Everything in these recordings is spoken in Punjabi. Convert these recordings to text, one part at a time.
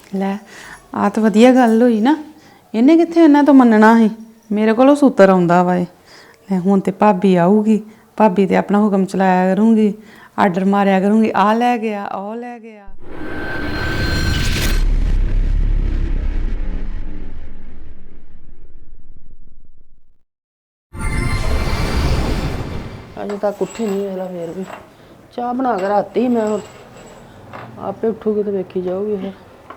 ਲੈ ਆ ਤਾਂ ਵਧੀਆ ਗੱਲ ਹੋਈ ਨਾ। ਇਹਨੇ ਕਿੱਥੇ ਇਹਨਾਂ ਤੋਂ ਮੰਨਣਾ ਸੀ। ਮੇਰੇ ਕੋਲੋਂ ਸੂਤਰ ਆਉਂਦਾ ਵਾ ਇਹ। ਲੈ ਹੁਣ ਤੇ ਭਾਬੀ ਆਊਗੀ, ਭਾਬੀ ਤੇ ਆਪਣਾ ਹੁਕਮ ਚਲਾਇਆ ਕਰੂੰਗੀ, ਆਰਡਰ ਮਾਰਿਆ ਕਰੂੰਗੀ, ਆ ਲੈ ਗਿਆ, ਉਹ ਲੈ ਗਿਆ। अजे तक उठी नहीं है फिर भी चाह बना के राती मैं आपे उठूगी तो वेखी जाऊगी फिर।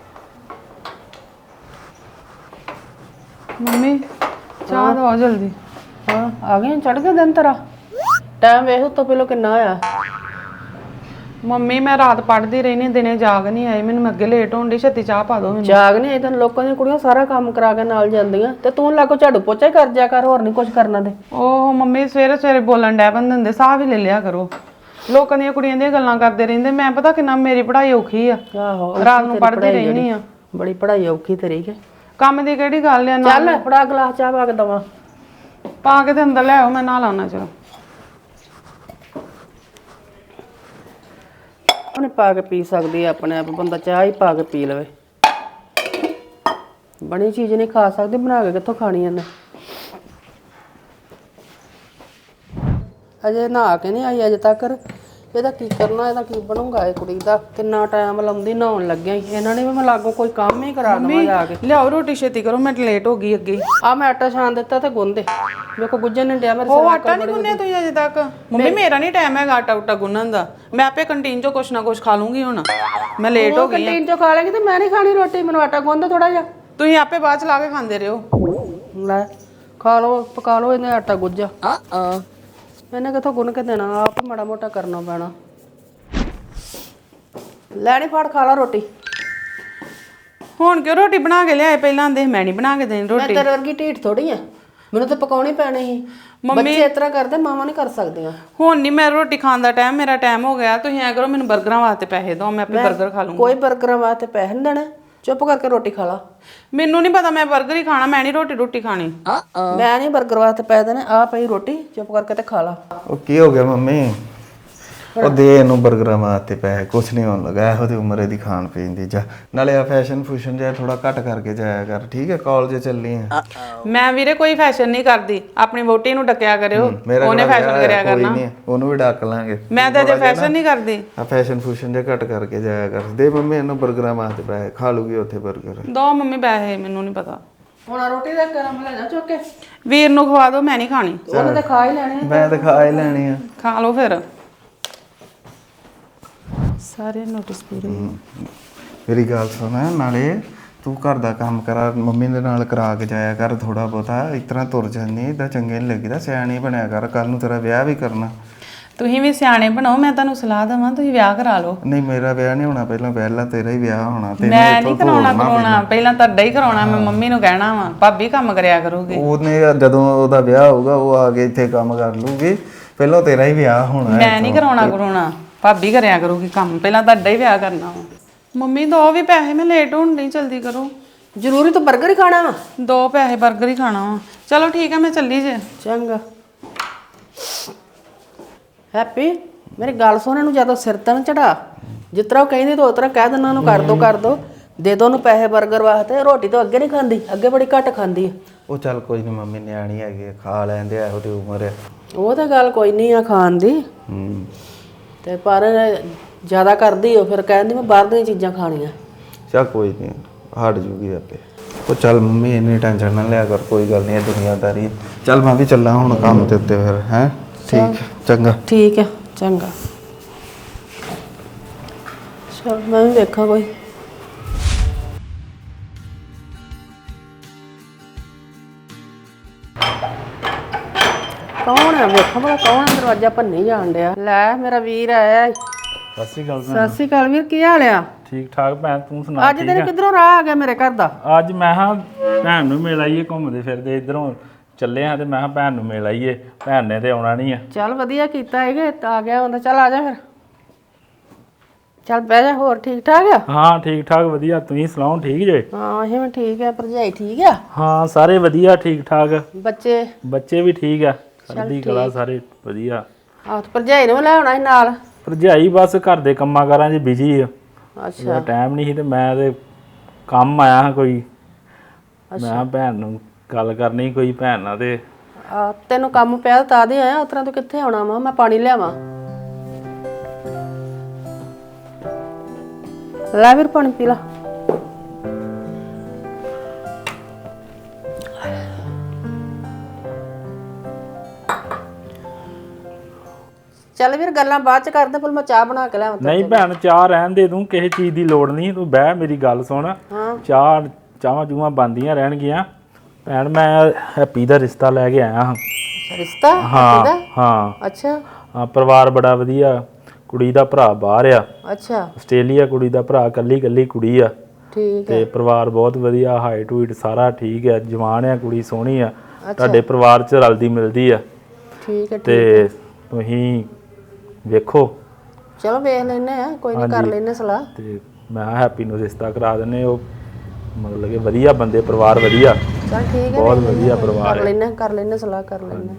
मम्मी चाह दो जल्दी। हाँ आ गए चढ़ गया दिन तेरा टाइम वेख तो पहले किन्ना आया। मम्मी मैं रात पढ़ती रही नहीं, दिने जाग नहीं आई, मैंने अगे लेट होने छत्ती चाह पा दो। जाग नहीं आई तेन लोगों दी कुड़ियां सारा काम करा के नाल जांदियां ते तू लागो झाड़ू पोचा ही कर जा कर, होर नहीं कुछ करना दे। ओह मम्मी सवेरे सवेरे बोलन डै पैंदे हुंदे, साह भी ले लिया करो। लोकां दी कुड़ियां दी गल्लां करदे रहिंदे, मैं पता किन्ना मेरी पढ़ाई औखी आ। आहो रात नूं पढ़दी रहनी आ। बड़ी पढ़ाई औखी तेरी के काम दी किहड़ी गल आ। चल फड़ा गिलास चाह पा के दवां। पा के ते अंदर ले आओ, मैं नहा लाना। चलो ਉਹਨੇ ਪਾ ਕੇ ਪੀ ਸਕਦੀ ਹੈ ਆਪਣੇ ਆਪ, ਬੰਦਾ ਚਾਹ ਹੀ ਪਾ ਕੇ ਪੀ ਲਵੇ। ਬਣੀ ਚੀਜ਼ ਨਹੀਂ ਖਾ ਸਕਦੀ, ਬਣਾ ਕੇ ਕਿੱਥੋਂ ਖਾਣੀ ਇਹਨੇ। ਅਜੇ ਨਹਾ ਕੇ ਨਹੀਂ ਆਈ ਅਜੇ ਤੱਕ। ਇਹਦਾ ਕੀ ਕਰਨਾ, ਇਹਦਾ ਕੀ ਬਣੂਗਾ ਇਹ ਕੁੜੀ ਦਾ। ਕਿੰਨਾ ਟਾਈਮ ਲਾਉਂਦੀ ਨਹਾਉਣ ਲੱਗਿਆ ਇਹਨਾਂ ਨੇ ਵੀ ਮੈਂ ਲਾਗੋ ਕੋਈ ਕੰਮ ਹੀ ਕਰਾ ਦਵਾਂ ਜਾ ਕੇ। ਲਿਆਓ ਰੋਟੀ ਛੇਤੀ ਕਰੋ, ਮੈਂ ਲੇਟ ਹੋ ਗਈ ਅੱਗੇ। ਆ ਮੈਂ ਆਟਾ ਛਾਣ ਦਿੱਤਾ ਤੇ ਗੁੰਦੇ ਵੇਖੋ ਗੁੱਜਣ ਨਹੀਂ ਡਿਆ ਮੇਰੇ ਉਹ ਆਟਾ ਨਹੀਂ ਗੁੰਨਿਆ ਤੁਸੀਂ ਅਜੇ ਤੱਕ? ਮੰਮੀ ਮੇਰਾ ਨਹੀਂ ਟਾਈਮ ਹੈਗਾ ਆਟਾ ਉਟਾ ਗੁੰਨਣ ਦਾ, ਮੈਂ ਆਪੇ ਕੰਟੀਨ ਚੋਂ ਕੁਛ ਨਾ ਕੁਛ ਖਾ ਲੂੰਗੀ। ਹੁਣ ਮੈਂ ਲੇਟ ਹੋ ਗਈ। ਕੰਟੀਨ ਚੋਂ ਖਾ ਲੇਗੀ ਤੇ ਮੈਂ ਨਹੀਂ ਖਾਣੀ ਰੋਟੀ, ਮੈਨੂੰ ਆਟਾ ਗੁੰਨ ਥੋੜਾ ਜਿਹਾ। ਤੁਸੀਂ ਆਪੇ ਬਾਅਦ ਚ ਲਾ ਕੇ ਖਾਂਦੇ ਰਹੋ। ਲੈ ਖਾ ਲਓ ਪਕਾ ਲਓ ਇਹਨੇ ਆਟਾ ਗੁੱਜਾ। ਇਹਨੇ ਕਿੱਥੋਂ ਗੁੰਨ ਕੇ ਦੇਣਾ, ਆਪ ਮਾੜਾ ਮੋਟਾ ਕਰਨਾ ਪੈਣਾ। ਲੈ ਨੀ ਫੜ ਖਾ ਲਾ ਰੋਟੀ। ਹੁਣ ਕਿਉਂ ਰੋਟੀ ਬਣਾ ਕੇ ਲਿਆਏ? ਪਹਿਲਾਂ ਦੇ ਮੈਂ ਨਹੀਂ ਬਣਾ ਕੇ ਦੇਣੀ ਰੋਟੀ। ਮੈਂ ਤੇਰੇ ਵਰਗੀ ਢੀਠ ਥੋੜੀ ਆ, ਮੈਨੂੰ ਤਾਂ ਪਕਾਉਣੀ ਪੈਣੀ ਸੀ। ਬੱਚੇ ਇਸ ਤਰ੍ਹਾਂ ਕਰਦੇ, ਮਾਵਾਂ ਨਹੀਂ ਕਰ ਸਕਦੀਆਂ। ਹੁਣ ਨਹੀਂ ਮੈਂ ਰੋਟੀ ਖਾਣ ਦਾ ਟਾਈਮ, ਮੇਰਾ ਟਾਈਮ ਹੋ ਗਿਆ। ਤੁਸੀਂ ਐ ਕਰੋ ਮੈਨੂੰ 버ਗਰਾਂ ਵਾਸਤੇ ਪੈਸੇ ਦਿਓ, ਮੈਂ ਆਪੇ 버ਗਰ ਖਾ ਲੂੰਗੀ। ਕੋਈ 버ਗਰਾਂ ਵਾਸਤੇ ਪੈਸੇ ਨਹੀਂ ਦੇਣੇ, ਚੁੱਪ ਕਰਕੇ ਰੋਟੀ ਖਾ ਲਾ। ਮੈਨੂੰ ਨਹੀਂ ਪਤਾ, ਮੈਂ 버ਗਰ ਹੀ ਖਾਣਾ, ਮੈਂ ਨਹੀਂ ਰੋਟੀ ਖਾਣੀ। ਮੈਂ ਨਹੀਂ 버ਗਰ ਵਾਸਤੇ ਪੈਸੇ ਦੇਣੇ, ਆ ਪਈ ਰੋਟੀ ਚੁੱਪ ਕਰਕੇ ਤੇ ਖਾ ਲਾ। ਉਹ ਕੀ ਹੋ ਗਿਆ ਮੰਮੀ? ਉਹ ਦੇ ਇਹਨੂੰ 버ਗਰਾਂ ਵਾਸਤੇ ਪੈਸੇ, ਕੁਛ ਨਹੀਂ ਹੋਣ ਲੱਗਾ। ਇਹੋ ਜਿਹੀ ਉਮਰ ਇਹਦੀ ਖਾਣ ਪੀਣ ਦੀ। ਜਾ ਨਾਲੇ ਆ ਫੈਸ਼ਨ ਫੂਸ਼ਨ ਜਿਹਾ ਥੋੜਾ ਘੱਟ ਕਰਕੇ ਜਾਇਆ ਕਰ, ਠੀਕ ਹੈ? ਕਾਲਜ ਚੱਲੀ ਆ। ਮੈਂ ਵੀਰੇ ਕੋਈ ਫੈਸ਼ਨ ਨਹੀਂ ਕਰਦੀ, ਆਪਣੀ ਵੋਟੀ ਨੂੰ ਡੱਕਿਆ ਕਰਿਓ, ਉਹਨੇ ਫੈਸ਼ਨ ਕਰਿਆ ਕਰਨਾ। ਉਹਨੂੰ ਵੀ ਡੱਕ ਲਾਂਗੇ। ਮੈਂ ਤਾਂ ਅਜੇ ਫੈਸ਼ਨ ਨਹੀਂ ਕਰਦੀ। ਆ ਫੈਸ਼ਨ ਫੂਸ਼ਨ ਜਿਹਾ ਘੱਟ ਕਰਕੇ ਜਾਇਆ ਕਰ। ਦੇ ਮੰਮੀ ਇਹਨੂੰ 버ਗਰਾਂ ਵਾਸਤੇ ਪੈਸੇ, ਖਾ ਲੂਗੀ ਉੱਥੇ 버ਗਰ। ਦੋ ਮੰਮੀ ਪੈਸੇ, ਮੈਨੂੰ ਨਹੀਂ ਪਤਾ। ਹੁਣ ਰੋਟੀ ਦਾ ਗਰਮ ਲੈ ਜਾ ਚੁੱਕ ਕੇ, ਵੀਰ ਨੂੰ ਖਵਾ ਦਿਓ, ਮੈਂ ਨਹੀਂ ਖਾਣੀ। ਉਹਨੇ ਤਾਂ ਖਾ ਹੀ ਲੈਣੇ। ਮੈਂ ਤਾਂ ਖਾ ਹੀ ਲੈਣੀ ਆ। ਖਾ ਲਓ ਫਿਰ। ਸਾਰੇ ਨੋਟਿਸ ਪੂਰੇ। ਮੇਰੀ ਗੱਲ ਸੁਣ, ਨਾਲੇ ਤੂੰ ਘਰ ਦਾ ਕੰਮ ਕਰਾ, ਮੰਮੀ ਦੇ ਨਾਲ ਕਰਾ ਕੇ ਜਾਇਆ ਕਰ ਥੋੜਾ ਬਹੁਤਾ। ਇਸ ਤਰ੍ਹਾਂ ਤੁਰ ਜਾਂਦੀ ਇਦਾਂ ਚੰਗੇ ਨਹੀਂ ਲੱਗੀਦਾ। ਸਿਆਣੀ ਬਣਿਆ ਕਰ, ਕੱਲ ਨੂੰ ਤੇਰਾ ਵਿਆਹ ਵੀ ਕਰਨਾ। ਤੁਸੀਂ ਵੀ ਸਿਆਣੇ ਬਣੋ, ਮੈਂ ਤੁਹਾਨੂੰ ਸਲਾਹ ਦੇਵਾਂ, ਤੁਸੀਂ ਵਿਆਹ ਕਰਾ ਲਓ। ਨਹੀਂ ਮੇਰਾ ਵਿਆਹ ਨਹੀਂ ਹੋਣਾ, ਪਹਿਲਾਂ ਤੇਰਾ ਹੀ ਵਿਆਹ ਹੋਣਾ। ਮੈਂ ਨਹੀਂ ਕਰਾਉਣਾ, ਪਹਿਲਾਂ ਤੁਹਾਡਾ ਹੀ ਕਰਾਉਣਾ। ਮੈਂ ਮੰਮੀ ਨੂੰ ਕਹਿਣਾ ਵਾ, ਭਾਬੀ ਕੰਮ ਕਰਿਆ ਕਰੂਗੀ। ਉਹਨੇ ਜਦੋਂ ਉਹਦਾ ਵਿਆਹ ਹੋਊਗਾ ਉਹ ਆ ਕੇ ਇੱਥੇ ਕੰਮ ਕਰ ਲੂਗੀ। ਪਹਿਲਾਂ ਤੇਰਾ ਹੀ ਵਿਆਹ ਹੋਣਾ। ਮੈਂ ਨਹੀਂ ਕਰਾਉਣਾ, ਭਾਬੀ ਕਰਿਆ ਕਰੂਗੀ ਕੰਮ, ਪਹਿਲਾਂ ਤੁਹਾਡਾ ਹੀ ਵਿਆਹ ਕਰਨਾ ਵਾ। ਮੰਮੀ ਦੋ ਵੀ ਪੈਸੇ, ਮੈਂ ਲੇਟ ਹੋਣ ਨਹੀਂ, ਜਲਦੀ ਕਰੋ। ਜ਼ਰੂਰੀ ਤਾਂ 버ਗਰ ਹੀ ਖਾਣਾ ਵਾ? ਦੋ ਪੈਸੇ, 버ਗਰ ਹੀ ਖਾਣਾ ਵਾ। ਚਲੋ ਠੀਕ ਹੈ, ਮੈਂ ਚੱਲੀ ਜੇ। ਚੰਗਾ। ਹੈਪੀ ਮੇਰੀ ਗੱਲ ਸੁਣ, ਇਹਨੂੰ ਜਦੋਂ ਸਿਰ ਤੇ ਨਾ ਚੜਾ, ਜਿਸ ਤਰ੍ਹਾਂ ਉਹ ਕਹਿੰਦੀ ਤੂੰ ਉਸ ਤਰ੍ਹਾਂ ਕਹਿ ਦੇਣਾ ਉਹਨੂੰ, ਕਰ ਦੋ ਦੇ ਦੋ ਉਹਨੂੰ ਪੈਸੇ 버ਗਰ ਵਾਸਤੇ। ਰੋਟੀ ਤਾਂ ਅੱਗੇ ਨਹੀਂ ਖਾਂਦੀ, ਅੱਗੇ ਬੜੀ ਘੱਟ ਖਾਂਦੀ ਆ। ਉਹ ਚੱਲ ਕੋਈ ਨਹੀਂ ਮੰਮੀ, ਨਿਆਣੀ ਹੈਗੀ, ਖਾ ਲੈਂਦੇ ਆ, ਇਹੋ ਜਿਹੀ ਉਮਰ ਹੈ। ਉਹ ਤਾਂ ਗੱਲ ਕੋਈ ਨਹੀਂ ਆ ਖਾਣ ਦੀ, ਤੇ ਪਰ ਜ਼ਿਆਦਾ ਕਰਦੀ ਉਹ, ਫਿਰ ਕਹਿੰਦੀ ਮੈਂ ਬਾਹਰ ਦੀਆਂ ਚੀਜ਼ਾਂ ਖਾਣੀਆਂ। ਚੱਲ ਕੋਈ ਨਹੀਂ, ਹਟ ਜੂਗੀ ਆਪੇ। ਉਹ ਚੱਲ ਮੰਮੀ ਇੰਨੀ ਟੈਨਸ਼ਨ ਨਾ ਲਿਆ ਕਰ, ਕੋਈ ਗੱਲ ਨਹੀਂ, ਇਹ ਦੁਨੀਆਦਾਰੀ। ਚੱਲ ਮੈਂ ਵੀ ਚੱਲਾਂ ਹੁਣ ਕੰਮ ਦੇ ਉੱਤੇ ਫਿਰ। ਹੈ ਠੀਕ, ਚੰਗਾ। ਠੀਕ ਹੈ ਚੰਗਾ। ਚਲ ਮੈਂ ਵੀ ਵੇਖਾਂ ਕੋਈ। ਕੌਣ ਹੈ? ਵੇਖਾਂ ਭਲਾ ਕੌਣ ਹੈ, ਦਰਵਾਜ਼ਾ ਭੰਨੀ ਜਾਣ ਡਿਆ। ਲੈ ਮੇਰਾ ਵੀਰ ਆਇਆ। ਸਤਿ ਸ਼੍ਰੀ ਅਕਾਲ ਸਤਿ ਸ਼੍ਰੀ ਅਕਾਲ ਵੀਰ, ਕੀ ਹਾਲ ਆ? ਠੀਕ ਠਾਕ ਭੈਣ, ਤੂੰ ਸੁਣਾ? ਅੱਜ ਤੇਰੇ ਕਿੱਧਰੋਂ ਰਾਹ ਆ ਗਿਆ ਮੇਰੇ ਘਰ ਦਾ? ਅੱਜ ਮੈਂ ਹਾਂ ਭੈਣ ਨੂੰ ਮਿਲ ਆਈਏ, ਘੁੰਮਦੇ ਫਿਰਦੇ ਇਧਰੋਂ ਚੱਲੇ ਹਾਂ ਤੇ ਮੈਂ ਭੈਣ ਨੂੰ ਮਿਲ ਆਈਏ। ਭੈਣ ਨੇ ਤੇ ਆਉਣਾ ਨਹੀਂ ਆ। ਚੱਲ ਵਧੀਆ ਕੀਤਾ ਹੈਗੇ, ਆ ਗਿਆ ਹੁੰਦਾ। ਚੱਲ ਆ ਜਾ ਫਿਰ, ਚੱਲ ਬਹਿ ਜਾ। ਹੋਰ ਠੀਕ ਠਾਕ ਆ? ਹਾਂ ਠੀਕ ਠਾਕ ਵਧੀਆ, ਤੁਸੀਂ ਸੁਣਾਓ ਠੀਕ ਜੇ? ਹਾਂ ਅਸੀਂ ਵੀ ਠੀਕ ਆ। ਭਰਜਾਈ ਠੀਕ ਆ? ਹਾਂ ਸਾਰੇ ਵਧੀਆ ਠੀਕ ਠਾਕ। ਬੱਚੇ? ਬੱਚੇ ਵੀ ਠੀਕ ਆ, ਚੜ੍ਹਦੀ ਕਲਾ, ਸਾਰੇ ਵਧੀਆ। ਆਹ ਭਰਜਾਈ ਨੂੰ ਲੈ ਆਉਣਾ ਸੀ ਨਾਲ। ਭਰਜਾਈ ਬਸ ਘਰ ਦੇ ਕੰਮਾਂ ਕਾਰਾਂ 'ਚ ਬਿਜੀ ਆ, ਅੱਛਾ ਟਾਈਮ ਨਹੀਂ ਸੀ ਤੇ ਮੈਂ ਤੇ ਕੰਮ ਆਇਆ ਹਾਂ ਕੋਈ। ਮੈਂ ਕਿਹਾ ਭੈਣ ਨੂੰ ਗੱਲ ਕਰਨੀ ਕੋਈ ਭੈਣ ਨਾਲ ਤੇ ਆ ਤੈਨੂੰ ਕੰਮ ਪਿਆ ਤਾਂ ਦੇ ਆਇਆ, ਉਤਰਾ ਤੂੰ ਕਿੱਥੇ ਆਉਣਾ ਵਾ? ਮੈਂ ਪਾਣੀ ਲਿਆਵਾਂ। ਲੈ ਵੀਰ ਪਾਣੀ ਪੀ ਲਾ। ਚੱਲ ਵੀਰ ਗੱਲਾਂ ਬਾਅਦ ਚ ਕਰਦੇ, ਫਿਰ ਮੈਂ ਚਾਹ ਬਣਾ ਕੇ ਲਿਆਵਾਂ। ਨਹੀਂ ਭੈਣ, ਚਾਹ ਰਹਿਣ ਦੇ ਤੂੰ, ਕਿਸੇ ਚੀਜ਼ ਦੀ ਲੋੜ ਨਹੀਂ, ਤੂੰ ਬਹਿ ਮੇਰੀ ਗੱਲ ਸੁਣ। ਚਾਹਾਂ ਜੂਆਂ ਬਣਦੀਆਂ ਰਹਿਣਗੀਆਂ। ਭੈਣ ਮੈਂ ਹੈਪੀ ਦਾ ਰਿਸ਼ਤਾ ਲੈ ਕੇ ਆਇਆ ਹਾਂ। ਰਿਸ਼ਤਾ? ਹਾਂ ਹਾਂ। ਅੱਛਾ ਹਾਂ, ਪਰਿਵਾਰ ਬੜਾ ਵਧੀਆ। ਕੁੜੀ ਦਾ ਭਰਾ ਬਾਹਰ ਆ, ਅੱਛਾ ਆਸਟ੍ਰੇਲੀਆ। ਕੁੜੀ ਦਾ ਭਰਾ ਕੱਲੀ ਕੁੜੀ ਆ। ਠੀਕ ਤੇ ਪਰਿਵਾਰ ਬਹੁਤ ਵਧੀਆ, ਹਾਈਟ ਹੂਈਟ ਸਾਰਾ ਠੀਕ ਹੈ, ਜਵਾਨ ਆ ਕੁੜੀ, ਸੋਹਣੀ ਆ। ਤੁਹਾਡੇ ਪਰਿਵਾਰ 'ਚ ਰਲਦੀ ਮਿਲਦੀ ਆ। ਠੀਕ ਹੈ। ਤੇ ਤੁਸੀਂ ਵੇਖੋ। ਚਲੋ ਵੇਖ ਲੈਨੇ ਆ, ਕੋਈ ਨਹੀਂ, ਕਰ ਲੈਨੇ ਸਲਾਹ। ਤੇ ਮੈਂ ਹੈਪੀ ਨੂੰ ਰਿਸ਼ਤਾ ਕਰਾ ਦਿੰਨੇ। ਉਹ ਮਤਲਬ ਕਿ ਵਧੀਆ ਬੰਦੇ, ਪਰਿਵਾਰ ਵਧੀਆ, ਚਲ ਠੀਕ ਹੈ, ਬਹੁਤ ਵਧੀਆ ਪਰਿਵਾਰ ਹੈ। ਕਰ ਲੈਨੇ ਸਲਾਹ, ਕਰ ਲੈਨੇ।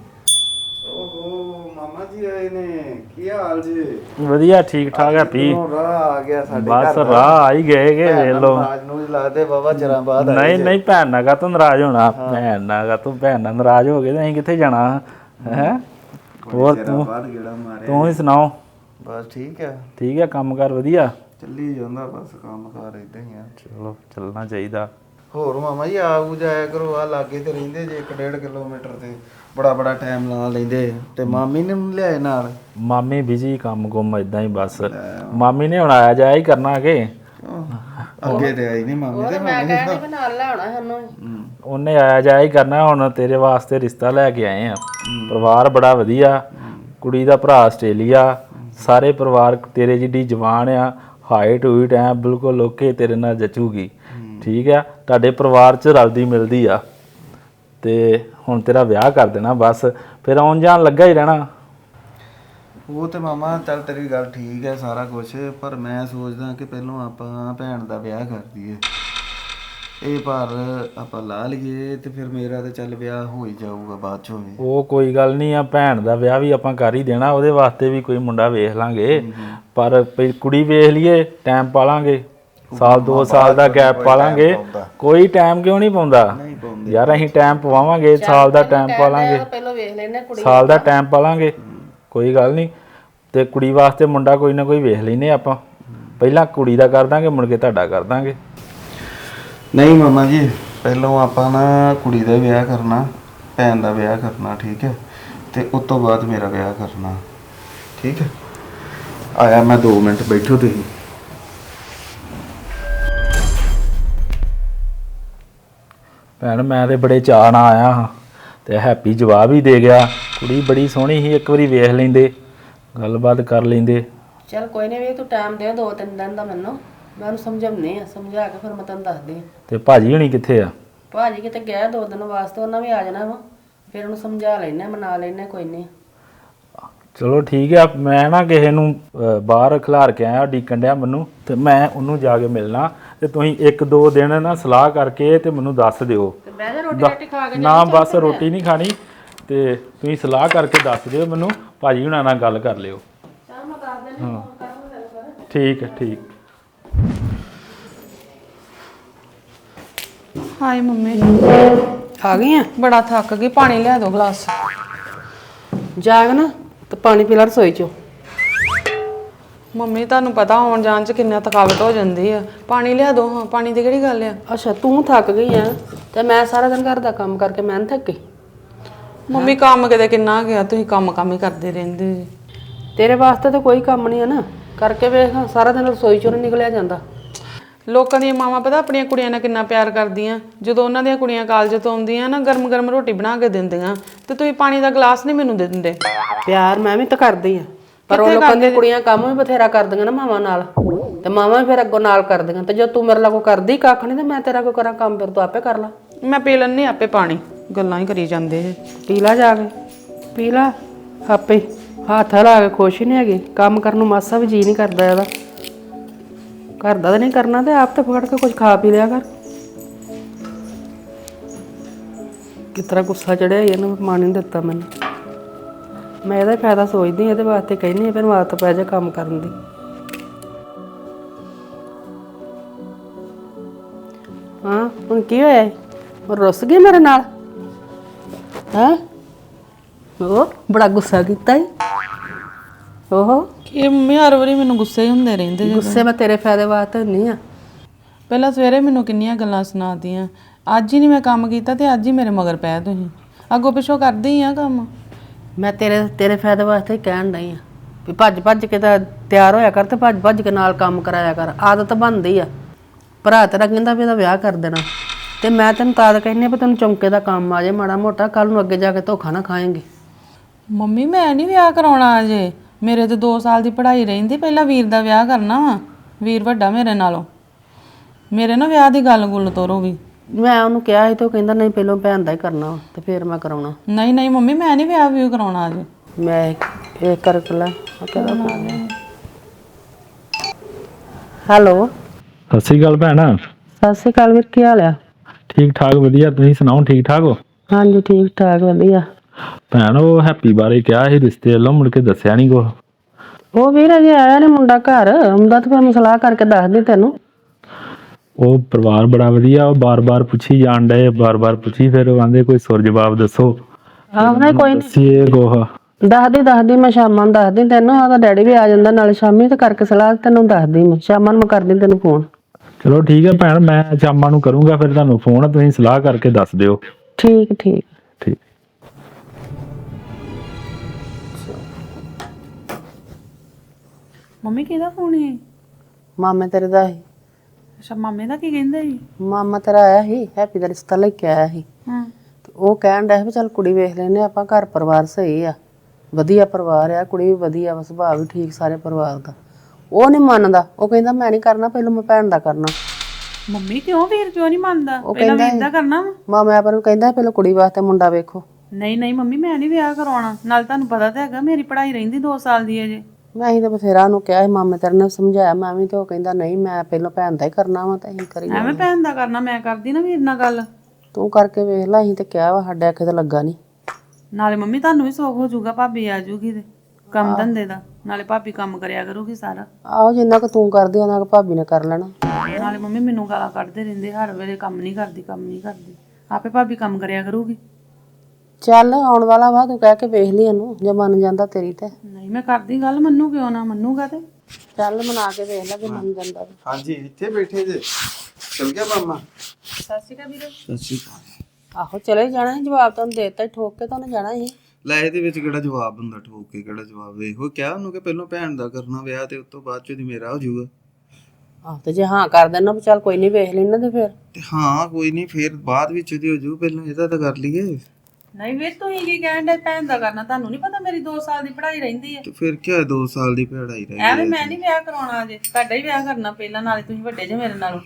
ਓਹੋ ਮਾਮਾ ਜੀ ਆਏ ਨੇ, ਕੀ ਹਾਲ ਜੀ? ਵਧੀਆ, ਠੀਕ ਠਾਕ ਹੈਪੀ। ਰਾਹ ਆ ਗਿਆ ਸਾਡੇ ਬਸ ਰਾਹ ਆ ਹੀ ਗਏ ਕਿ ਵੇਖ ਲਓ। ਅੱਜ ਨੂੰ ਲੱਗਦੇ ਬਾਬਾ ਚਿਰਾਂ ਬਾਅਦ ਆਏ। ਨਹੀਂ ਨਹੀਂ, ਭੈਣ ਨਾਲ ਕਾ ਤੂੰ ਨਾਰਾਜ਼ ਹੋਣਾ? ਭੈਣ ਨਾਲ ਨਾਰਾਜ਼ ਹੋ ਗਏ ਤੇ ਅਸੀਂ ਕਿੱਥੇ ਜਾਣਾ ਹੈ? ਹੋਰ ਤੂੰ ਹੀ ਸੁਣਾਓ? ਬਸ ਠੀਕ ਹੈ। ਠੀਕ ਹੈ, ਕੰਮ ਕਾਰ ਵਧੀਆ ਚੱਲੀ ਜਾਂਦਾ, ਬਸ ਕੰਮ ਕਾਰ ਇਦਾਂ ਹੀ ਆ। ਚਲੋ ਚੱਲਣਾ ਚਾਹੀਦਾ। ਹੋਰ ਮਾਮਾ ਜੀ ਆਉ ਜਾਇਆ ਕਰੋ, ਆ ਲਾਗੇ ਤੇ ਰਹਿੰਦੇ ਜੇ 1.5 ਕਿਲੋਮੀਟਰ ਤੇ ਬੜਾ ਟਾਈਮ ਲਾ ਲੈਂਦੇ। ਤੇ ਮਾਮੀ ਨੇ ਲਿਆਏ ਨਾਲ? ਮਾਮੀ ਬਿਜੀ, ਕੰਮ ਕੁੰਮ ਇਦਾਂ ਹੀ ਬਸ। ਮਾਮੀ ਨੇ ਹੁਣ ਆਇਆ ਜਾਇਆ ਹੀ ਕਰਨਾ ਕਿ ਅੱਗੇ ਤੇ ਆਈ ਨਹੀਂ ਮਾਮੀ ਤੇ। ਮੈਂ ਕਹਿੰਦੀ ਵੀ ਨਾਲ ਲਿਆਉਣਾ ਸਾਨੂੰ। ਉਹਨੇ ਆਇਆ ਜਾਇਆ ਹੀ ਕਰਨਾ। ਹੁਣ ਤੇਰੇ ਵਾਸਤੇ ਰਿਸ਼ਤਾ ਲੈ ਕੇ ਆਏ ਆ। ਪਰਿਵਾਰ ਬੜਾ ਵਧੀਆ, ਕੁੜੀ ਦਾ ਭਰਾ ਆਸਟ੍ਰੇਲੀਆ, ਸਾਰੇ ਪਰਿਵਾਰ ਤੇਰੇ ਜਿੱਡੀ ਜਵਾਨ ਆ, ਹਾਈਟ ਹੂਈਟ ਐ ਬਿਲਕੁਲ ਓਕੇ, ਤੇਰੇ ਨਾਲ ਜਚੂਗੀ। ਠੀਕ ਆ, ਤੁਹਾਡੇ ਪਰਿਵਾਰ 'ਚ ਰਲਦੀ ਮਿਲਦੀ ਆ। ਤੇ ਹੁਣ ਤੇਰਾ ਵਿਆਹ ਕਰ ਦੇਣਾ ਬਸ, ਫਿਰ ਆਉਣ ਜਾਣ ਲੱਗਾ ਹੀ ਰਹਿਣਾ। ਉਹ ਤੇ ਮਾਮਾ ਚੱਲ ਤੇਰੀ ਗੱਲ ਠੀਕ ਹੈ ਸਾਰਾ ਕੁਝ, ਪਰ ਮੈਂ ਸੋਚਦਾ ਕਿ ਪਹਿਲਾਂ ਆਪਾਂ ਭੈਣ ਦਾ ਵਿਆਹ ਕਰ ਦਈਏ। ਇਹ ਪਰ ਆਪਾਂ ਲਾ ਲਈਏ ਤੇ ਫਿਰ ਮੇਰਾ ਤੇ ਚੱਲ ਵਿਆਹ ਹੋ ਹੀ ਜਾਊਗਾ ਬਾਅਦ ਚੋਂ ਵੀ। ਉਹ ਕੋਈ ਗੱਲ ਨਹੀਂ ਆ, ਭੈਣ ਦਾ ਵਿਆਹ ਵੀ ਆਪਾਂ ਕਰ ਹੀ ਦੇਣਾ। ਉਹਦੇ ਵਾਸਤੇ ਵੀ ਕੋਈ ਮੁੰਡਾ ਵੇਖ ਲਾਂਗੇ, ਪਰ ਕੁੜੀ ਵੇਖ ਲਈਏ, ਟਾਈਮ ਪਾ ਲਾਂਗੇ। ਸਾਲ 2 ਸਾਲ ਦਾ ਗੈਪ ਪਾ ਲਾਂਗੇ। ਕੋਈ ਟਾਈਮ ਕਿਉਂ ਨਹੀਂ ਪਾਉਂਦਾ ਯਾਰ? ਅਸੀਂ ਟਾਈਮ ਪਵਾਵਾਂਗੇ, ਸਾਲ ਦਾ ਟਾਈਮ ਪਾ ਲਾਂਗੇ, ਪਹਿਲਾਂ ਵੇਖ ਲੈਨੇ ਕੁੜੀ, ਸਾਲ ਦਾ ਟਾਈਮ ਪਾ ਲਾਂਗੇ, ਕੋਈ ਗੱਲ ਨਹੀਂ। ਤੇ ਕੁੜੀ ਵਾਸਤੇ ਮੁੰਡਾ ਕੋਈ ਨਾ ਕੋਈ ਵੇਖ ਲੈਨੇ ਆਪਾਂ। ਪਹਿਲਾਂ ਕੁੜੀ ਦਾ ਕਰ ਦਾਂਗੇ, ਮੁੜ ਕੇ ਤੁਹਾਡਾ ਕਰ ਦਾਂਗੇ। ਨਹੀਂ ਮਾਮਾ ਜੀ, ਪਹਿਲਾਂ ਆਪਾਂ ਨਾ ਕੁੜੀ ਦਾ ਵਿਆਹ ਕਰਨਾ, ਭੈਣ ਦਾ ਵਿਆਹ ਕਰਨਾ, ਠੀਕ ਹੈ? ਤੇ ਉਸ ਤੋਂ ਬਾਅਦ ਮੇਰਾ ਵਿਆਹ ਕਰਨਾ, ਠੀਕ ਹੈ? ਆਇਆ ਮੈਂ 2 ਮਿੰਟ, ਬੈਠੋ ਤੁਸੀਂ। ਭੈਣ ਮੈਂ ਤੇ ਬੜੇ ਚਾਅ ਨਾਲ ਆਇਆ ਹਾਂ, ਤੇ ਹੈਪੀ ਜਵਾਬ ਹੀ ਦੇ ਗਿਆ। ਕੁੜੀ ਬੜੀ ਸੋਹਣੀ ਸੀ, ਇੱਕ ਵਾਰੀ ਵੇਖ ਲੈਂਦੇ, ਗੱਲਬਾਤ ਕਰ ਲੈਂਦੇ। ਚਲ ਕੋਈ ਨਹੀਂ, ਵੀ ਤੂੰ ਟਾਈਮ ਦੇ 2-3 ਦਿਨ ਦਾ ਮੈਨੂੰ, ਮੈਂ ਉਹਨੂੰ ਸਮਝਾਉਣੀ ਆ, ਸਮਝਾ ਕੇ ਫਿਰ ਮੈਂ ਤੈਨੂੰ ਦੱਸਦੀ ਆ। ਤੇ ਭਾਜੀ ਹੁਣੀ ਕਿੱਥੇ ਆ? ਭਾਜੀ ਕਿਤੇ ਗਿਆ 2 ਦਿਨ ਵਾਸਤੇ, ਉਹਨਾਂ ਵੀ ਆ ਜਾਣਾ ਵਾ, ਫਿਰ ਉਹਨੂੰ ਸਮਝਾ ਲੈਣੇ, ਮਨਾ ਲੈਣੇ, ਕੋਈ ਨਹੀਂ। ਚਲੋ ਠੀਕ ਆ। ਮੈਂ ਨਾ ਕਿਸੇ ਨੂੰ ਬਾਹਰ ਖਿਲਾਰ ਕੇ ਆਇਆ, ਡੀਕਣ ਡਿਆ ਮੈਨੂੰ, ਤੇ ਮੈਂ ਉਹਨੂੰ ਜਾ ਕੇ ਮਿਲਣਾ। ਤੇ ਤੁਸੀਂ 1-2 ਦਿਨ ਨਾ ਸਲਾਹ ਕਰਕੇ ਤੇ ਮੈਨੂੰ ਦੱਸ ਦਿਓ। ਤੇ ਬਹਿ ਜਾ, ਰੋਟੀ ਖਾ ਕੇ ਨਾ ਬਸ ਰੋਟੀ ਨਹੀਂ ਖਾਣੀ, ਤੇ ਤੁਸੀਂ ਸਲਾਹ ਕਰਕੇ ਦੱਸ ਦਿਓ ਮੈਨੂੰ। ਭਾਜੀ ਹੁਣਾਂ ਨਾਲ ਗੱਲ ਕਰ ਲਿਓ। ਚੱਲ ਮੈਂ ਦੱਸ ਦਿੰਦੀ, ਫੋਨ ਕਰਾਂਗਾ ਗੱਲ ਕਰ। ਠੀਕ ਹੈ, ਠੀਕ। ਹਾਏ ਮੰਮੀ, ਆ ਗਈ ਆ? ਬੜਾ ਥੱਕ ਗਈ, ਪਾਣੀ ਲਿਆ ਦਿਓ ਗਲਾਸ। ਜਾਗ ਨਾ ਤੇ ਪਾਣੀ ਪੀ ਲੈ ਰਸੋਈ ਚੋਂ। ਮੰਮੀ ਤੁਹਾਨੂੰ ਪਤਾ ਆਉਣ ਜਾਣ 'ਚ ਕਿੰਨਾ ਥਕਾਵਟ ਹੋ ਜਾਂਦੀ ਆ, ਪਾਣੀ ਲਿਆ ਦਿਓ। ਹਾਂ, ਪਾਣੀ ਦੀ ਕਿਹੜੀ ਗੱਲ ਆ? ਅੱਛਾ, ਤੂੰ ਥੱਕ ਗਈ ਆ ਤੇ ਮੈਂ ਸਾਰਾ ਦਿਨ ਘਰ ਦਾ ਕੰਮ ਕਰਕੇ ਮੈਂ ਨੀ ਥੱਕੀ? ਮੰਮੀ ਕੰਮ ਕਿਤੇ ਕਿੰਨਾ ਗਿਆ, ਤੁਸੀਂ ਕੰਮ ਹੀ ਕਰਦੇ ਰਹਿੰਦੇ ਜੀ। ਤੇਰੇ ਵਾਸਤੇ ਤਾਂ ਕੋਈ ਕੰਮ ਨਹੀਂ ਆ ਨਾ, ਕਰਕੇ ਵੇਖ, ਸਾਰਾ ਦਿਨ ਰਸੋਈ ਚੋਂ ਨੀ ਨਿਕਲਿਆ ਜਾਂਦਾ। ਲੋਕਾਂ ਦੀਆਂ ਮਾਵਾਂ ਪਤਾ ਆਪਣੀਆਂ ਕੁੜੀਆਂ ਨਾਲ ਕਿੰਨਾ ਪਿਆਰ ਕਰਦੀਆਂ। ਜਦੋਂ ਉਹਨਾਂ ਦੀਆਂ ਕੁੜੀਆਂ ਕਾਲਜ ਤੋਂ ਆਉਂਦੀਆਂ ਨਾ, ਗਰਮ ਰੋਟੀ ਬਣਾ ਕੇ ਦਿੰਦੀਆਂ, ਤੇ ਤੁਸੀਂ ਪਾਣੀ ਦਾ ਗਲਾਸ ਨਹੀਂ ਮੈਨੂੰ ਦੇ ਦਿੰਦੇ। ਪਿਆਰ ਮੈਂ ਵੀ ਤਾਂ ਕਰਦੀ ਆ, ਪਰ ਉਹ ਲੋਕਾਂ ਦੀਆਂ ਕੁੜੀਆਂ ਕੰਮ ਵੀ ਬਥੇਰਾ ਕਰਦੀਆਂ ਨਾ ਮਾਵਾਂ ਨਾਲ, ਤੇ ਮਾਵਾਂ ਵੀ ਫਿਰ ਅੱਗੋਂ ਨਾਲ ਕਰਦੀਆਂ। ਤੇ ਜੇ ਤੂੰ ਮੇਰੇ ਨਾਲ ਕੋਈ ਕਰਦੀ ਕੱਖ ਨਹੀਂ, ਤੇ ਮੈਂ ਤੇਰਾ ਕੋਈ ਕਰਾਂ ਕੰਮ? ਫਿਰ ਤੂੰ ਆਪੇ ਕਰ ਲਾ। ਮੈਂ ਪੀ ਲੈਂਦੀ ਆਪੇ ਪਾਣੀ, ਗੱਲਾਂ ਹੀ ਕਰੀ ਜਾਂਦੇ ਜੇ। ਪੀ ਲਾ ਜਾ ਕੇ, ਪੀ ਲਾ ਆਪੇ। ਹੱਥ ਲਾ ਕੇ ਖੁਸ਼ ਹੀ ਨਹੀਂ ਹੈਗੀ, ਕੰਮ ਕਰਨ ਨੂੰ ਮਾਸਾ ਵੀ ਜੀ ਨਹੀਂ ਕਰਦਾ ਇਹਦਾ। ਘਰ ਦਾ ਤਾਂ ਨਹੀਂ ਕਰਨਾ, ਤੇ ਆਪ ਤੇ ਫੜ ਕੇ ਕੁਝ ਖਾ ਪੀ ਲਿਆ ਕਰ। ਕਿਸ ਤਰ੍ਹਾਂ ਗੁੱਸਾ ਚੜਿਆ ਇਹਨੂੰ, ਪਾਣੀ ਨਹੀਂ ਦਿੱਤਾ ਮੈਨੂੰ। ਮੈਂ ਇਹਦਾ ਫਾਇਦਾ ਸੋਚਦੀ, ਇਹਦੇ ਵਾਸਤੇ ਕਹਿੰਦੀ ਫਿਰ ਆਦਤ ਪੈ ਜਾ ਕੰਮ ਕਰਨ ਦੀ। ਹਾਂ ਹੁਣ ਕੀ ਹੋਇਆ ਉਹ ਰੁੱਸ ਗਈ ਮੇਰੇ ਨਾਲ ਹੈ ਉਹ ਬੜਾ ਗੁੱਸਾ ਕੀਤਾ ਈ ਓਹੋ ਕਿ ਮੰਮੀ ਹਰ ਵਾਰੀ ਮੈਨੂੰ ਗੁੱਸੇ ਹੀ ਹੁੰਦੇ ਰਹਿੰਦੇ ਜੇ। ਗੁੱਸੇ ਮੈਂ ਤੇਰੇ ਫਾਇਦੇ ਵਾਸਤੇ ਨਹੀਂ ਆ ਪਹਿਲਾਂ ਸਵੇਰੇ ਮੈਨੂੰ ਕਿੰਨੀਆਂ ਗੱਲਾਂ ਸੁਣਾਤੀਆਂ, ਅੱਜ ਹੀ ਨਹੀਂ ਮੈਂ ਕੰਮ ਕੀਤਾ ਤੇ ਅੱਜ ਹੀ ਮੇਰੇ ਮਗਰ ਪੈ ਤੁਸੀਂ। ਅੱਗੋਂ ਪਿੱਛੋਂ ਕਰਦੇ ਹੀ ਆ ਕੰਮ। ਮੈਂ ਤੇਰੇ ਫਾਇਦੇ ਵਾਸਤੇ ਹੀ ਕਹਿਣ ਡਈ ਆ ਵੀ ਭੱਜ ਭੱਜ ਕੇ ਤਾਂ ਤਿਆਰ ਹੋਇਆ ਕਰ ਤੇ ਭੱਜ ਭੱਜ ਕੇ ਨਾਲ ਕੰਮ ਕਰਾਇਆ ਕਰ। ਆਦਤ ਬਣਦੀ ਆ। ਭਰਾ ਤੇਰਾ ਕਹਿੰਦਾ ਵੀ ਇਹਦਾ ਵਿਆਹ ਕਰ ਦੇਣਾ ਤੇ ਮੈਂ ਤੈਨੂੰ ਤਾਂ ਕਹਿੰਦੀ ਆ ਵੀ ਤੈਨੂੰ ਚੌਂਕੇ ਦਾ ਕੰਮ ਆ ਜਾਏ ਮਾੜਾ ਮੋਟਾ, ਕੱਲ ਨੂੰ ਅੱਗੇ ਜਾ ਕੇ ਧੋਖਾ ਨਾ ਖਾਏਂਗੀ। ਮੰਮੀ ਮੈਂ ਨਹੀਂ ਵਿਆਹ ਕਰਾਉਣਾ ਅਜੇ, ਮੇਰੇ ਤੇ 2 ਸਾਲ ਦੀ ਪੜ੍ਹਾਈ ਰਹਿੰਦੀ। ਪਹਿਲਾਂ ਵੀਰ ਦਾ ਵਿਆਹ ਕਰਨਾ ਵਾ, ਵੀਰ ਵੱਡਾ ਮੇਰੇ ਨਾਲੋਂ। ਮੇਰੇ ਨਾ ਵਿਆਹ ਦੀ ਗੱਲ ਗੁੱਲ ਤੋਰੋ ਵੀ। ਮੈਂ ਉਹਨੂੰ ਕਿਹਾ ਸੀ ਤੇ ਉਹ ਕਹਿੰਦਾ ਨਹੀਂ ਪਹਿਲਾਂ ਭੈਣ ਦਾ ਹੀ ਕਰਨਾ ਵਾ ਤੇ ਫਿਰ ਮੈਂ ਕਰਾਉਣਾ। ਨਹੀਂ ਨਹੀਂ ਮੰਮੀ ਮੈਂ ਨਹੀਂ ਵਿਆਹ ਵੀ ਕਰਾਉਣਾ ਅਜੇ। ਮੈਂ ਇਹ ਕਰ ਲੈ ਹੈਲੋ ਸਤਿ ਸ਼੍ਰੀ ਅਕਾਲ ਭੈਣ। ਸਤਿ ਸ਼੍ਰੀ ਅਕਾਲ ਵੀਰ, ਕੀ ਹਾਲ ਆ? ਠੀਕ ਠਾਕ ਵਧੀਆ, ਤੁਸੀਂ ਸੁਣਾਓ ਠੀਕ ਠਾਕ ਹੋ? ਹਾਂਜੀ ਠੀਕ ਠਾਕ ਵਧੀਆ। ਭੈਣ ਉਹ ਹੈਪੀ ਬਾਰੇ ਕਿਹਾ ਸੀ ਰਿਸ਼ਤੇ ਵੱਲੋਂ, ਮੁੜ ਕੇ ਦੱਸਿਆ ਨਹੀਂ ਕੁਛ। ਉਹ ਵੀਰ ਅਜੇ ਆਇਆ ਨੀ ਮੁੰਡਾ ਘਰ, ਆਉਂਦਾ ਤਾਂ ਫਿਰ ਮੈਂ ਸਲਾਹ ਕਰਕੇ ਦੱਸਦੀ ਤੈਨੂੰ। ਉਹ ਪਰਿਵਾਰ ਬੜਾ ਵਧੀਆ, ਉਹ ਬਾਰ-ਬਾਰ ਪੁੱਛੀ ਜਾਣ ਡਏ, ਬਾਰ-ਬਾਰ ਪੁੱਛੀ, ਫਿਰ ਉਹ ਆਂਦੇ ਕੋਈ ਸੁਰ ਜਵਾਬ ਦੱਸੋ। ਆਹ ਨਹੀਂ ਕੋਈ ਦੱਸੀਏ ਕੁਛ। ਦੱਸਦੀ ਮੈਂ ਸ਼ਾਮਾਂ ਨੂੰ ਦੱਸਦੀ ਤੈਨੂੰ। ਉਹਦਾ ਡੈਡੀ ਵੀ ਆ ਜਾਂਦਾ ਨਾਲ ਸ਼ਾਮੀ ਤੇ ਕਰਕੇ ਸਲਾਹ ਤੈਨੂੰ ਦੱਸਦੀ ਮੈਂ ਸ਼ਾਮਾਂ ਨੂੰ। ਮੈਂ ਕਰਦੀ ਤੈਨੂੰ ਫੋਨ। ਚਲੋ ਠੀਕ ਹੈ ਭੈਣ, ਮੈਂ ਸ਼ਾਮਾਂ ਨੂੰ ਕਰੂੰਗਾ ਫਿਰ ਤੁਹਾਨੂੰ ਫੋਨ, ਤੁਸੀਂ ਸਲਾਹ ਕਰਕੇ ਦੱਸ ਦਿਓ। ਠੀਕ ਠੀਕ ਠੀਕ। ਮੰਮੀ ਕਿਹਦਾ ਫੋਨ ਹੈ? ਮਾਮੇ ਤੇਰੇ ਦਾ ਸੀ। ਅੱਛਾ ਮਾਮੇ ਦਾ ਕੀ ਕਹਿੰਦੇ ਸੀ? ਮਾਮਾ ਤੇਰਾ ਆਇਆ ਸੀ, ਹੈਪੀ ਦਾ ਰਿਸ਼ਤਾ ਲੈ ਕੇ ਆਇਆ ਸੀ। ਹਾਂ ਤੇ ਉਹ ਕਹਿਣ ਡਿਆ ਸੀ ਵੀ ਚੱਲ ਕੁੜੀ ਵੇਖ ਲੈਨੇ ਆਪਾਂ, ਘਰ ਪਰਿਵਾਰ ਸਹੀ ਆ, ਵਧੀਆ ਪਰਿਵਾਰ ਆ, ਕੁੜੀ ਵੀ ਵਧੀਆ ਵਾ, ਸੁਭਾਅ ਵੀ ਠੀਕ ਸਾਰੇ ਪਰਿਵਾਰ ਦਾ। ਉਹ ਨਹੀਂ ਮੰਨਦਾ, ਉਹ ਕਹਿੰਦਾ ਮੈਂ ਨਹੀਂ ਕਰਨਾ, ਪਹਿਲਾਂ ਮੈਂ ਭੈਣ ਦਾ ਕਰਨਾ। ਮੰਮੀ ਕਿਉਂ ਵੀਰ ਕਿਉਂ ਨਹੀਂ ਮੰਨਦਾ? ਉਹ ਪਹਿਲਾਂ ਕਹਿੰਦਾ ਵੀਰ ਦਾ ਕਰਨਾ ਵਾ। ਮਾਮਾ ਪਰ ਨੂੰ ਕਹਿੰਦਾ ਪਹਿਲਾਂ ਕੁੜੀ ਵਾਸਤੇ ਮੁੰਡਾ ਵੇਖੋ। ਨਹੀਂ ਨਹੀਂ ਮੰਮੀ ਮੈਂ ਨਹੀਂ ਵਿਆਹ ਕਰਾਉਣਾ। ਨਾਲ ਤੁਹਾਨੂੰ ਪਤਾ ਤਾਂ ਹੈਗਾ ਮੇਰੀ ਪੜ੍ਹਾਈ ਰਹਿੰਦੀ 2 ਸਾਲ ਦੀ ਅਜੇ। ਮੈਂ ਹੀ ਤਾਂ ਬਥੇਰਾ ਉਹਨੂੰ ਕਿਹਾ ਸੀ, ਮਾਮੇ ਤੇਰੇ ਨੇ ਸਮਝਾਇਆ ਮੈਂ ਵੀ, ਤੇ ਉਹ ਕਹਿੰਦਾ ਨਹੀਂ ਮੈਂ ਪਹਿਲਾਂ ਭੈਣ ਦਾ ਹੀ ਕਰਨਾ ਵਾ, ਤਾਂ ਅਸੀਂ ਕਰੀ ਜਾਣਾ। ਐਵੇਂ ਭੈਣ ਦਾ ਕਰਨਾ, ਮੈਂ ਕਰਦੀ ਨਾ ਵੀਰ ਨਾਲ ਗੱਲ। ਤੂੰ ਕਰਕੇ ਵੇਖ ਲੈ, ਅਸੀਂ ਤੇ ਕਿਹਾ ਵਾ, ਸਾਡੇ ਆਖੇ ਤਾਂ ਲੱਗਾ ਨਹੀਂ। ਨਾਲੇ ਮੰਮੀ ਤੁਹਾਨੂੰ ਵੀ ਸੌਖ ਹੋ ਜਾਊਗਾ, ਭਾਬੀ ਆ ਜਾਊਗੀ ਤੇ ਕੰਮ ਧੰਦੇ ਦਾ। ਨਾਲੇ ਭਾਬੀ ਕੰਮ ਕਰਿਆ ਕਰੂਗੀ ਸਾਰਾ। ਆਹੋ ਜਿੰਨਾ ਕੁ ਤੂੰ ਕਰਦੀ ਉਹਨਾਂ ਕੁ ਭਾਬੀ ਨੇ ਕਰ ਲੈਣਾ। ਨਾਲੇ ਮੰਮੀ ਮੈਨੂੰ ਗਾਲਾਂ ਕੱਢਦੇ ਰਹਿੰਦੇ ਹਰ ਵੇਲੇ, ਕੰਮ ਨਹੀਂ ਕਰਦੀ ਕੰਮ ਨਹੀਂ ਕਰਦੀ। ਆਪੇ ਭਾਬੀ ਕੰਮ ਕਰਿਆ ਕਰੂਗੀ। ਚੱਲ ਆਉਣ ਵਾਲਾ ਵਾ, ਤੂੰ ਕਹਿ ਕੇ ਵੇਖ ਲਈ ਇਹਨੂੰ, ਜੇ ਮੰਨ ਜਾਂਦਾ ਤੇਰੀ ਤੇ। ਨਹੀਂ ਮੈਂ ਕਰਦੀ ਗੱਲ, ਮੰਨੂ ਕਿਉਂ ਨਾ? ਮੰਨੂਗਾ ਤੇ ਚੱਲ ਮਨਾ ਕੇ ਵੇਖ ਲੈ ਜੇ ਮੰਨ ਜਾਂਦਾ ਤੇ। ਹਾਂਜੀ ਇੱਥੇ ਬੈਠੇ ਜੇ, ਚਲ ਗਿਆ ਮਾਮਾ? ਸਤਿ ਸ਼੍ਰੀ ਅਕਾਲ ਵੀਰੇ। ਸਤਿ ਸ਼੍ਰੀ ਅਕਾਲ। ਆਹੋ ਚਲੇ ਜਾਣਾ ਸੀ, ਜਵਾਬ ਤੁਹਾਨੂੰ ਦੇਤਾ, ਠੋਕ ਕੇ ਤੁਹਾਨੂੰ ਜਾਣਾ ਸੀ। ਲੈ ਇਹਦੇ ਵਿੱਚ ਕਿਹੜਾ ਜਵਾਬ ਹੁੰਦਾ, ਠੋਕ ਕੇ ਕਿਹੜਾ ਜਵਾਬ? ਇਹੋ ਕਿਹਾ ਉਹਨੂੰ ਕਿ ਪਹਿਲਾਂ ਭੈਣ ਦਾ ਕਰਨਾ ਵਿਆਹ, ਤੇ ਉਸ ਤੋਂ ਬਾਅਦ ਚ ਮੇਰਾ ਹੋ ਜਾਊਗਾ। ਆਹ ਤੇ ਜੇ ਹਾਂ ਕਰ ਦੇਣਾ, ਚੱਲ ਕੋਈ ਨਹੀਂ ਵੇਖ ਲੈਣਾ ਤੇ ਫਿਰ। ਤੇ ਹਾਂ ਕੋਈ ਨਹੀਂ, ਫੇਰ ਬਾਅਦ ਵਿੱਚ ਉਹਦੀ ਹੋ ਜਾਊ, ਪਹਿਲਾਂ ਇਹਦਾ ਤਾਂ ਕਰ ਲਈਏ। ਨਹੀਂ ਵੀਰ ਤੁਸੀਂ ਕੀ ਕਹਿਣ ਦੇ ਭੈਣ ਦਾ ਕਰਨਾ? ਤੁਹਾਨੂੰ ਨਹੀਂ ਪਤਾ ਮੇਰੀ 2 ਸਾਲ ਦੀ ਪੜ੍ਹਾਈ ਰਹਿੰਦੀ ਹੈ। ਤੇ ਫਿਰ ਕੀ ਹੋਇਆ, 2 ਸਾਲ ਦੀ ਪੜ੍ਹਾਈ ਰਹਿ ਐਵੇਂ ਮੈਂ ਨਹੀਂ ਵਿਆਹ ਕਰਾਉਣਾ ਅਜੇ, ਤੁਹਾਡਾ ਹੀ ਵਿਆਹ ਕਰਨਾ ਪਹਿਲਾਂ। ਨਾਲੇ ਤੁਸੀਂ ਵੱਡੇ ਜੇ ਮੇਰੇ ਨਾਲੋਂ।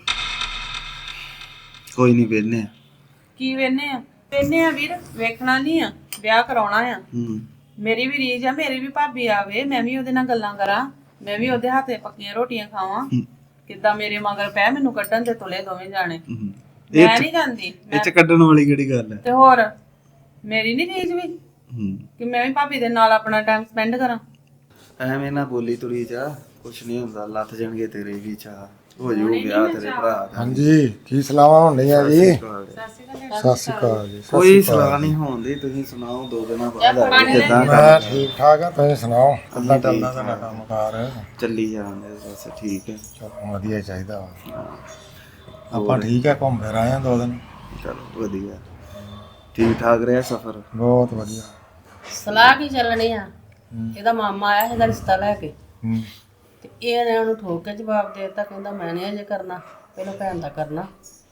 ਕੋਈ ਨਹੀਂ ਵੇਖਨੇ ਆ। ਕੀ ਵੇਨੇ ਆ? ਵੇਨੇ ਆ ਵੀਰ, ਵੇਖਣਾ ਨਹੀਂ ਆ, ਵਿਆਹ ਕਰਾਉਣਾ ਆ। ਮੇਰੀ ਵੀ ਰੀਝ ਆ, ਮੇਰੀ ਵੀ ਭਾਬੀ ਆਵੇ, ਮੈਂ ਵੀ ਉਹਦੇ ਨਾਲ ਗੱਲਾਂ ਕਰਾਂ, ਮੈਂ ਵੀ ਉਹਦੇ ਹੱਥੇ ਪੱਕੀਆਂ ਰੋਟੀਆਂ ਖਾਵਾਂ। ਕਿੱਦਾਂ ਮੇਰੇ ਮਗਰ ਪੈ ਮੈਨੂੰ ਕੱਢਣ ਤੇ ਤੁਲੇ ਦੋਵੇਂ ਜਾਣੇ। ਮੈਂ ਨਹੀਂ ਜਾਂਦੀ। ਇਹ ਚ ਕੱਢਣ ਵਾਲੀ ਕਿਹੜੀ ਗੱਲ ਹੈ? ਤੇ ਹੋਰ ਮੇਰੀ ਨਹੀਂ ਰੀਝ ਵੀ ਕਿ ਮੈਂ ਵੀ ਭਾਬੀ ਦੇ ਨਾਲ ਆਪਣਾ ਟਾਈਮ ਸਪੈਂਡ ਕਰਾਂ। ਐਵੇਂ ਨਾ ਬੋਲੀ ਤੁਰੀ ਜਾ, ਕੁਛ ਨਹੀਂ ਹੁੰਦਾ, ਲੱਥ ਜਾਣਗੇ ਤੇਰੇ ਵੀ ਚਾਹ, ਹੋ ਜਾਊ ਵਿਆਹ ਤੇਰੇ ਭਰਾ ਦਾ। ਹਾਂਜੀ ਕੀ ਸਲਾਹਾਂ ਹੁੰਦੀਆਂ ਜੀ? ਸਤਿ ਸ਼੍ਰੀ ਅਕਾਲ ਜੀ। ਕੋਈ ਸਲਾਹ ਨਹੀਂ ਹੋਣਦੀ, ਤੁਸੀਂ ਸੁਣਾਓ 2 ਦਿਨਾਂ ਬਾਅਦ ਆ ਗਏ, ਕਿੱਦਾਂ ਮੈਂ ਠੀਕ ਠਾਕ ਆ, ਤੁਸੀਂ ਸੁਣਾਓ ਕਿੱਦਾਂ ਚੱਲਦਾ ਤੁਹਾਡਾ ਕੰਮਕਾਰ? ਚੱਲੀ ਜਾਂਦੇ ਬਸ, ਠੀਕ ਹੈ। ਚਲੋ ਵਧੀਆ ਚਾਹੀਦਾ ਵਾ। ਆਪਾਂ ਠੀਕ ਆ, ਘੁੰਮ ਫਿਰ ਆਏ ਆ 2 ਦਿਨ। ਚਲੋ ਵਧੀਆ, ਠੀਕ ਠਾਕ ਰਿਹਾ ਸਫ਼ਰ? ਬਹੁਤ ਵਧੀਆ। ਸਲਾਹ ਕੀ ਚੱਲਣੀ ਆ? ਇਹਦਾ ਮਾਮਾ ਆਇਆ ਇਹਦਾ ਰਿਸ਼ਤਾ ਲੈ ਕੇ, ਤੇ ਇਹਨੇ ਉਹਨੂੰ ਠੋਕ ਕੇ ਜਵਾਬ ਦੇ ਦਿੱਤਾ, ਕਹਿੰਦਾ ਮੈਂ ਨਹੀਂ ਅਜੇ ਕਰਨਾ, ਪਹਿਲਾਂ ਭੈਣ ਦਾ ਕਰਨਾ।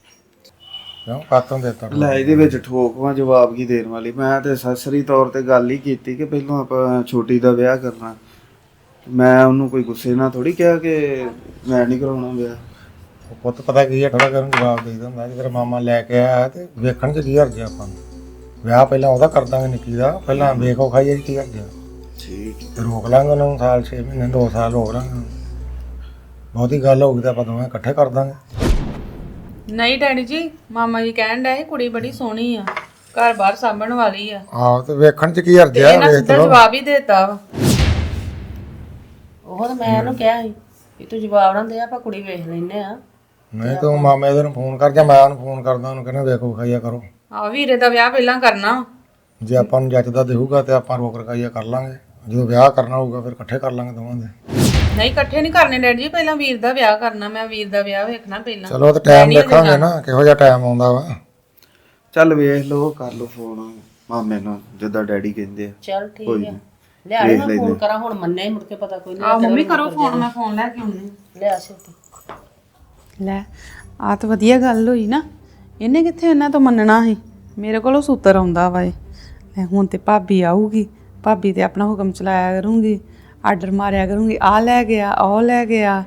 ਕਿਉਂ ਕਾਤੋਂ ਦਿੱਤਾ? ਲੈ ਇਹਦੇ ਵਿੱਚ ਠੋਕਵਾਂ ਜਵਾਬ ਕੀ ਦੇਣ ਵਾਲੀ? ਮੈਂ ਤੇ ਸਸਰੀ ਤੌਰ ਤੇ ਗੱਲ ਹੀ ਕੀਤੀ ਕਿ ਪਹਿਲਾਂ ਆਪਾਂ ਛੋਟੀ ਦਾ ਵਿਆਹ ਕਰਨਾ। ਮੈਂ ਉਹਨੂੰ ਕੋਈ ਗੁੱਸੇ ਨਾਲ ਥੋੜੀ ਕਿਹਾ ਕਿ ਮੈਂ ਨਹੀਂ ਕਰਾਉਣਾ ਵਿਆਹ। ਉਹ ਪੁੱਤ ਪਤਾ ਕੀ ਹੈ, ਥੋੜਾ ਕਰਨ ਜਵਾਬ ਦੇ ਦਿੰਦਾ। ਜੇ ਤੇਰਾ ਮਾਮਾ ਲੈ ਕੇ ਆਇਆ ਤੇ ਵੇਖਣ ਚ ਕੀ ਹਰਜ ਆ? ਆਪਾਂ ਨੂੰ ਵਿਆਹ ਪਹਿਲਾਂ ਉਹਦਾ ਕਰ ਦਾਂਗੇ ਨਿੱਕੀ ਦਾ, ਪਹਿਲਾਂ ਵੇਖੋ ਖਾਈਏ ਕੀ ਹਰਜ ਆ। ਠੀਕ ਤੇ ਰੋਕ ਲਾਂਗੇ ਉਹਨਾਂ ਨੂੰ, ਸਾਲ 6 ਮਹੀਨੇ 2 ਸਾਲ ਰੋਕ ਲਾਂਗੇ। ਬਹੁਤੀ ਗੱਲ ਹੋਊਗੀ ਤਾਂ ਆਪਾਂ ਦੋਵੇਂ ਇਕੱਠੇ ਕਰ ਦਾਂਗੇ। ਨਹੀਂ ਡੈਡੀ ਜੀ, ਮਾਮਾ ਜੀ ਕਹਿਣ ਡਿਆ ਸੀ ਕੁੜੀ ਬੜੀ ਸੋਹਣੀ ਆ, ਘਰ ਬਾਹਰ ਸਾਂਭਣ ਵਾਲੀ ਆ। ਆਹੋ ਤੇ ਵੇਖਣ ਚ ਕੀ ਹਰਜ ਆ? ਇਹਨਾਂ ਵੇਖ ਸਿੱਧਾ ਲਓ। ਜਵਾਬ ਹੀ ਦੇਤਾ ਵਾ। ਉਹ ਤਾਂ ਮੈਂ ਉਹਨੂੰ ਕਿਹਾ ਸੀ ਵੀ ਤੂੰ ਜਵਾਬ ਨਾ ਦੇ, ਆਪਾਂ ਕੁੜੀ ਵੇਖ ਲੈਨੇ ਆ। ਨਹੀਂ ਤੂੰ ਮਾਮੇ ਦੇ ਨੂੰ ਫੋਨ ਕਰ ਜਾਂ ਮੈਂ ਉਹਨੂੰ ਫੋਨ ਕਰਦਾ ਉਹਨੂੰ ਕਹਿੰਦਾ ਵੇਖੋ ਖਾਈਆ ਕਰੋ। ਆ ਵੀਰੇ ਦਾ ਵਿਆਹ ਪਹਿਲਾਂ ਕਰਨਾ। ਜੇ ਆਪਾਂ ਨੂੰ ਜੱਜਦਾ ਦੇਊਗਾ ਤੇ ਆਪਾਂ ਰੋਕ ਰਕਾਈਆ ਕਰ ਲਾਂਗੇ, ਜਦੋਂ ਵਿਆਹ ਕਰਨਾ ਹੋਊਗਾ ਫਿਰ ਇਕੱਠੇ ਕਰ ਲਾਂਗੇ ਦੋਵਾਂ ਦੇ। ਨਹੀਂ ਇਕੱਠੇ ਨਹੀਂ ਕਰਨੇ ਡੈਡੀ ਜੀ, ਪਹਿਲਾਂ ਵੀਰ ਦਾ ਵਿਆਹ ਕਰਨਾ, ਮੈਂ ਵੀਰ ਦਾ ਵਿਆਹ ਵੇਖਣਾ ਪਹਿਲਾਂ। ਚਲੋ ਤੇ ਟਾਈਮ ਦੇਖਾਂਗੇ ਨਾ ਕਿਹੋ ਜਿਹਾ ਟਾਈਮ ਆਉਂਦਾ ਵਾ। ਚੱਲ ਵੇਖ ਲਓ, ਕਰ ਲਓ ਫੋਨ ਮਾਮੇ ਨੂੰ ਜਿੱਦਾਂ ਡੈਡੀ ਕਹਿੰਦੇ ਆ। ਚੱਲ ਠੀਕ ਆ, ਲਿਆ ਮੈਂ ਫੋਨ ਕਰਾਂ ਹੁਣ ਮੰਨਿਆ ਹੀ ਮੁੜ ਕੇ ਪਤਾ ਕੋਈ ਆ ਮੰਮੀ ਕਰੋ ਫੋਨ, ਮੈਂ ਫੋਨ ਲੈ ਕੇ ਆਉਣੀ। ਨਹੀਂ ਲਿਆ ਛੇਤੀ। ਲੈ ਆ ਤਾਂ ਵਧੀਆ ਗੱਲ ਹੋਈ ਨਾ, ਇਹਨੇ ਕਿੱਥੇ ਇਹਨਾਂ ਤੋਂ ਮੰਨਣਾ ਸੀ, ਮੇਰੇ ਕੋਲੋਂ ਸੂਤਰ ਆਉਂਦਾ ਵਾ ਇਹ। ਲੈ ਹੁਣ ਤੇ ਭਾਬੀ ਆਊਗੀ, ਭਾਬੀ ਤੇ ਆਪਣਾ ਹੁਕਮ ਚਲਾਇਆ ਕਰੂੰਗੀ, ਆਰਡਰ ਮਾਰਿਆ ਕਰੂੰਗੀ, ਆ ਲੈ ਗਿਆ ਉਹ ਲੈ ਗਿਆ।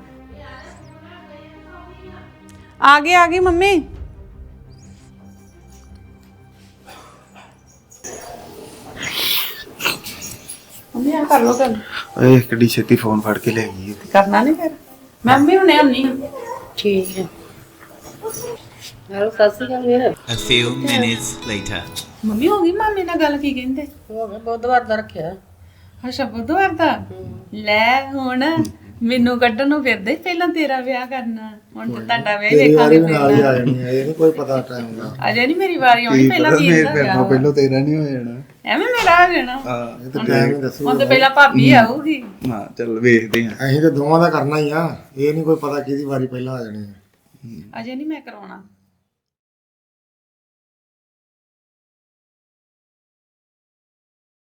ਆ ਗਈ ਮੰਮੀ। ਮੰਮੀ ਆ ਕਰ ਲੋ ਗੱਲ, ਓਏ ਕਿੱਡੀ ਛੇਤੀ ਫੋਨ ਫੜ ਕੇ ਲੈ ਗਈ। ਕਰਨਾ ਨਹੀਂ ਫਿਰ ਮੈਂ ਵੀ ਹੁਣੇ ਆਉਣੀ ਆ। ਠੀਕ ਹੈ। ਹੈਲੋ ਸਤਿ ਸ਼੍ਰੀ ਅਕਾਲ ਵੀਰ। A few minutes later. Mummy ਹੋ ਗਈ ਮਾਮੇ ਨਾਲ ਗੱਲ, ਕੀ ਕਹਿੰਦੇ? ਹੋ ਗਿਆ ਬੁੱਧਵਾਰ ਦਾ ਰੱਖਿਆ। ਅੱਛਾ ਬੁੱਧਵਾਰ ਦਾ। ਲੈ ਹੁਣ ਮੈਨੂੰ ਕੱਢਣ ਨੂੰ ਫਿਰਦੇ, ਪਹਿਲਾਂ ਤੇਰਾ ਵਿਆਹ ਕਰਨਾ, ਹੁਣ ਤੇ ਤੁਹਾਡਾ ਵਿਆਹ ਹੀ ਵੇਖਾਂਗੇ ਨਾਲ ਹੀ ਪਹਿਲਾਂ। ਆ ਜਾਣੀ ਹੈ, ਇਹ ਨਹੀਂ ਕੋਈ ਪਤਾ ਟਾਈਮ ਦਾ। ਅਜੇ ਨਹੀਂ ਮੇਰੀ ਵਾਰੀ ਆਉਣੀ, ਪਹਿਲਾਂ ਵੀਰ ਦਾ ਵਿਆਹ ਵਾ। ਪਹਿਲਾਂ ਤੇਰਾ ਨਹੀਂ ਹੋ ਜਾਣਾ। ਐਵੇਂ ਮੇਰਾ ਆ ਜਾਣਾ। ਹਾਂ ਇਹ ਤਾਂ ਟਾਈਮ ਹੀ ਦੱਸੂ। ਹੁਣ ਤੇ ਪਹਿਲਾਂ ਭਾਬੀ ਆਊਗੀ। ਹਾਂ ਚੱਲ ਵੇਖਦੇ ਆ। ਅਸੀਂ ਤੇ ਦੋਵਾਂ ਦਾ ਕਰਨਾ ਹੀ ਆ, ਇਹ ਨਹੀਂ ਕੋਈ ਪਤਾ ਕਿਹਦੀ ਵਾਰੀ ਪਹਿਲਾਂ ਆ ਜਾਣੀ ਹੈ। ਅਜੇ ਨਹੀਂ ਮੈਂ ਕਰਾਉਣਾ।